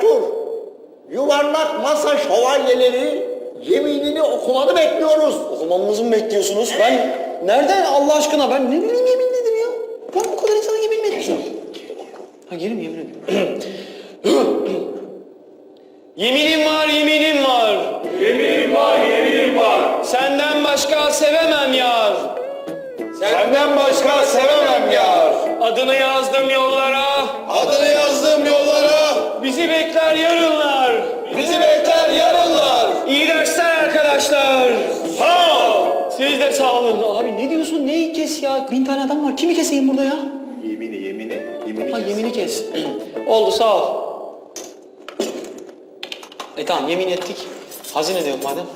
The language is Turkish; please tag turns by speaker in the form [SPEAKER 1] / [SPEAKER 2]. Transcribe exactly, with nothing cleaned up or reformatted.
[SPEAKER 1] buyur. Yuvarlak masa şövalyeleri yeminini okumanı bekliyoruz.
[SPEAKER 2] Okumamızı mı bekliyorsunuz? Ben nereden Allah aşkına? Ben ne bileyim yemin nedir ya? Ben bu kadar insana yemin mi edeceğim? Ha geri mi yemin ediyorum? Yeminim var, yeminim var.
[SPEAKER 3] Yeminim var, yeminim var.
[SPEAKER 2] Senden başka sevemem yar.
[SPEAKER 3] Senden başka sevemem yar.
[SPEAKER 2] Adını yazdım yollara.
[SPEAKER 3] Adını yazdım yollara.
[SPEAKER 2] Bizi bekler yarınlar.
[SPEAKER 3] Bizi bekler yarınlar.
[SPEAKER 2] İyi dersler arkadaşlar.
[SPEAKER 3] Sağ ol.
[SPEAKER 2] Siz de sağ olun. Abi ne diyorsun? Neyi kes ya? Bin tane adam var. Kimi keseyim burada ya?
[SPEAKER 3] Yemini, yemini, yemini.
[SPEAKER 2] Ha yemini kes. Oldu sağ ol. E tamam yemin ettik. Hazine de yok madem.